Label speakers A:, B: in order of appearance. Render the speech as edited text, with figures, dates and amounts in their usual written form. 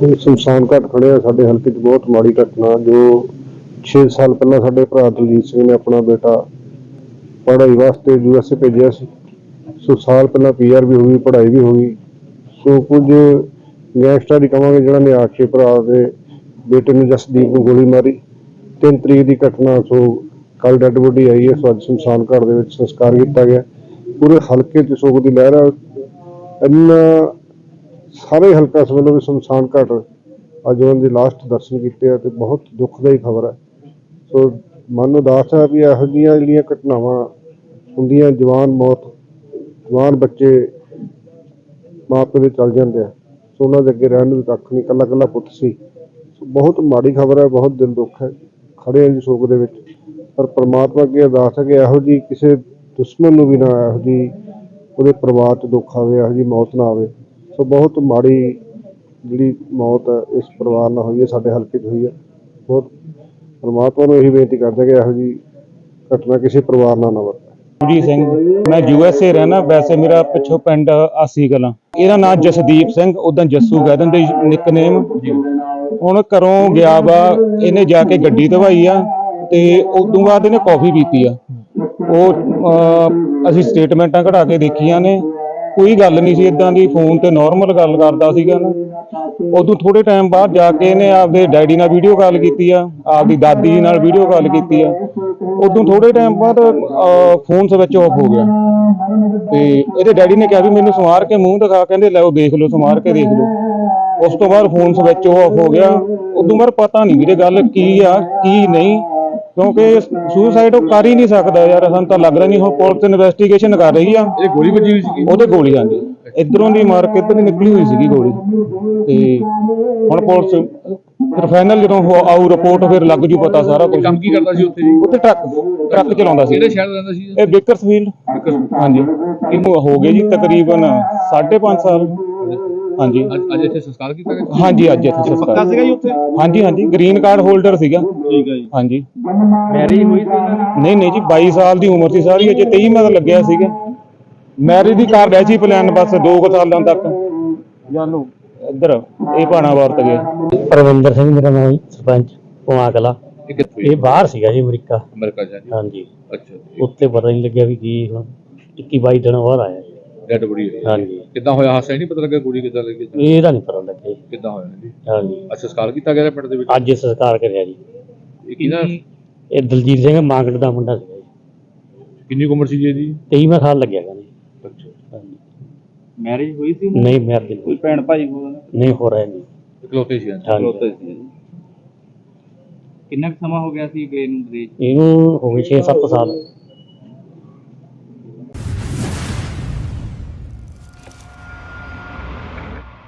A: शमशान घाट खड़े आ साडे हल्के च बहुत माड़ी घटना जो 6 साल पहला साडे भरा दलजीत सिंह ने अपना बेटा पढ़ाई वास्ते USA भेजा सी। सो साल पहला PR भी होगी पढ़ाई भी होगी। सो कुछ गैंगस्टर ही कहांगे जिन्होंने ने आके भरा दे बेटे ने जसदीप को गोली मारी। 3 तरीक की घटना। सो कल डैड बॉडी आई है। सो अज शमशान घाट दे विच संस्कार किया गया। पूरे हल्के च शोक की लहर है। इन्ना सारे हल्का इस वेले भी शमशान घाट अज उन्होंने लास्ट दर्शन किए तो बहुत दुखदाई खबर है। सो मन उदास है भी यहो जिहियां घटनावां हुंदियां जवान मौत जवान बच्चे माँ प्यो दे चल जाते हैं। सो उन्होंने अगे रहन भी कख नहीं कला कला पुत सी। बहुत माड़ी खबर है बहुत दिल दुख है खड़े हैं जी शोक दे विच। पर परमात्मा अगे अरदास है कि यहो जी किसी दुश्मन नूं भी ना यहो जी उहदे परिवार च दुख आवे यहो जी मौत ना आवे। सो बहुत माड़ी जी मौत है इस परिवार नाल हुई है साडे हल्के च हुई है। बहुत परमात्मा नूं यही बेनती करते कि यहो जी घटना किसी परिवार नाल ना वापरे।
B: जी सिंह मैं USA रहना वैसे मेरा पिछों पिंड आसी कलां। ਇਹਦਾ नाम जसदीप सिंह उदा जस्सू कह दिंदे निकनेम। ਹੁਣ ਘਰੋਂ ਗਿਆ ਵਾ ਇਹਨੇ ਜਾ ਕੇ ਗੱਡੀ ਧਵਾਈ ਆ ਤੇ ਉਦੋਂ ਬਾਅਦ ਇਹਨੇ ਕੌਫੀ ਪੀਤੀ ਆ। ਉਹ ਅਸੀਂ ਸਟੇਟਮੈਂਟਾਂ ਕਢਾ ਕੇ ਦੇਖੀਆਂ ਨੇ ਕੋਈ ਗੱਲ ਨਹੀਂ ਸੀ ਇਦਾਂ ਦੀ ਫੋਨ ਤੇ ਨਾਰਮਲ ਗੱਲ ਕਰਦਾ ਸੀਗਾ ਨਾ। ਉਦੋਂ ਥੋੜੇ ਟਾਈਮ ਬਾਅਦ ਜਾ ਕੇ ਇਹਨੇ ਆਪਦੇ ਡੈਡੀ ਨਾਲ ਵੀਡੀਓ ਕਾਲ ਕੀਤੀ ਆ ਆਪਦੀ ਦਾਦੀ ਨਾਲ ਵੀਡੀਓ ਕਾਲ ਕੀਤੀ ਆ। ਉਦੋਂ ਥੋੜੇ ਟਾਈਮ ਬਾਅਦ ਫੋਨ ਸਵਿਚ ਆਫ ਹੋ ਗਿਆ ਤੇ ਇਹਦੇ ਡੈਡੀ ਨੇ ਕਿਹਾ ਵੀ ਮੈਨੂੰ ਸਮਾਰ ਕੇ ਮੂੰਹ ਦਿਖਾ ਕਹਿੰਦੇ ਲੈ ਉਹ ਦੇਖ ਲਓ ਸਮਾਰ ਕੇ ਦੇਖ ਲਓ। ਉਸ ਤੋਂ ਬਾਅਦ ਫੋਨ ਸਵਿਚ ਆਫ ਹੋ ਗਿਆ। ਉਦੋਂ ਬਾਅਦ ਪਤਾ ਨਹੀਂ ਵੀਰੇ ਗੱਲ ਕੀ ਆ ਕੀ ਨਹੀਂ ਕਿਉਂਕਿ ਸੁਸਾਈਡ ਉਹ ਕਰ ਹੀ ਨਹੀਂ ਸਕਦਾ ਯਾਰ ਸਾਨੂੰ ਤਾਂ ਲੱਗ ਰਿਹਾ ਨਹੀਂ। ਹੁਣ ਪੁਲਿਸ ਇਨਵੈਸਟੀਗੇਸ਼ਨ ਕਰ ਰਹੀ ਆ।
C: ਇਹ ਗੋਲੀ ਵੱਜੀ ਹੋਈ ਸੀ
B: ਉਹਦੇ ਗੋਲੀ ਆਂਦੀ ਇਧਰੋਂ ਦੀ ਮਾਰ ਕੇ ਇੱਧਰ ਦੀ ਨਿਕਲੀ ਹੋਈ ਸੀਗੀ ਗੋਲੀ ਤੇ ਹੁਣ ਪੁਲਿਸ ਫਿਰ ਫਾਈਨਲ ਜਦੋਂ ਆਊ ਰਿਪੋਰਟ ਫਿਰ ਲੱਗ ਜੂ ਪਤਾ ਸਾਰਾ ਕੁਝ।
C: ਕੰਮ ਕੀ ਕਰਦਾ ਸੀ ਉੱਥੇ ਜੀ?
B: ਉੱਥੇ ਟਰੱਕ ਚਲਾਉਂਦਾ ਸੀ।
C: ਕਿਹੜੇ ਸ਼ਹਿਰ ਰਹਿੰਦਾ ਸੀ
B: ਇਹ ਬੇਕਰਸਫੀਲਡ। ਹਾਂਜੀ ਇਹਨੂੰ ਹੋ ਗਏ ਜੀ ਤਕਰੀਬਨ 5.5 ਸਾਲ। ਹਾਂਜੀ
C: ਅੱਜ ਇੱਥੇ ਸੰਸਕਾਰ ਕੀਤਾ ਗਿਆ?
B: ਹਾਂਜੀ ਅੱਜ ਇੱਥੇ ਸੰਸਕਾਰ
C: ਪੱਕਾ ਸੀਗਾ ਜੀ ਉੱਥੇ?
B: ਹਾਂਜੀ ਹਾਂਜੀ ਗ੍ਰੀਨ ਕਾਰਡ ਹੋਲਡਰ ਸੀਗਾ।
C: ਠੀਕ ਹੈ ਜੀ।
B: ਹਾਂਜੀ
C: ਮੈਰਿਜ ਹੋਈ ਸੀ?
B: ਨਹੀਂ ਜੀ 22 ਸਾਲ ਦੀ ਉਮਰ ਸੀ ਸਾਰੀ ਅਜੇ 23 ਮਤ ਲੱਗਿਆ ਸੀਗਾ। ਮੈਰਿਜ ਦੀ ਕਰ ਰਿਹਾ ਸੀ ਪਲਾਨ ਬਸ 2 ਸਾਲਾਂ ਤੱਕ ਜਾਨੂ ਇੱਧਰ ਇਹ ਭਾਣਾ ਵਰਤ ਗਿਆ।
D: परविंदर सिंह मेरा नाम सरपंच पुआ कला।
C: ਇਹ ਕਿੱਥੇ?
D: ये बाहर सीगा जी अमरीका।
C: ਅਮਰੀਕਾ ਜਾ ਜੀ।
D: ਹਾਂਜੀ
C: ਅੱਛਾ
D: उत्ते पता नहीं लग्या भी की हुण 21-22 दिन बाद आया जी।
C: ਡੈਡ ਬੜੀ ਹੋਈ?
D: ਹਾਂਜੀ
C: ਕਿੱਦਾਂ ਹੋਇਆ ਹਾਦਸਾ? ਨਹੀਂ ਪਤਾ ਲੱਗਾ ਗੋਲੀ ਕਿੱਦਾਂ ਲੱਗੀ?
D: ਇਹਦਾ ਨਹੀਂ ਪਤਾ ਲੱਗਿਆ ਜੀ।
C: ਕਿੱਦਾਂ ਹੋਇਆ ਜੀ?
D: ਹਾਂਜੀ
C: ਅੱਛਾ ਸੰਸਕਾਰ ਕੀਤਾ ਗਿਆ ਪਿੰਡ ਦੇ ਵਿੱਚ?
D: ਅੱਜ ਸੰਸਕਾਰ ਕਰਿਆ ਜੀ।
C: ਇਹ ਕਿਹਦਾ?
D: ਇਹ ਦਲਜੀਤ ਸਿੰਘ ਮਾਂਗੜ ਦਾ ਮੁੰਡਾ ਸੀਗਾ ਜੀ।
C: ਕਿੰਨੀ ਕੁ ਉਮਰ ਸੀ ਜੀ ਇਹਦੀ?
D: 23ਵਾਂ ਸਾਲ ਲੱਗਿਆ ਕਹਿੰਦੇ।
C: ਅੱਛਾ
D: ਹਾਂਜੀ
B: ਮੈਰਿਜ ਹੋਈ ਸੀ?
D: ਨਹੀਂ ਮੈਰਿਜ
B: ਕੋਈ ਭੈਣ ਭਾਈ ਹੋਣਾ?
D: ਨਹੀਂ ਹੋ ਰਿਹਾ ਜੀ।
C: ਇਕਲੌਤੇ ਸੀ?
D: ਹਾਂਜੀ
B: ਕਿੰਨਾ ਕੁ ਸਮਾਂ ਹੋ ਗਿਆ ਸੀ ਗਏ ਨੂੰ ਵਿਦੇਸ਼?
D: ਇਹਨੂੰ ਹੋ ਗਏ 6-7 ਸਾਲ।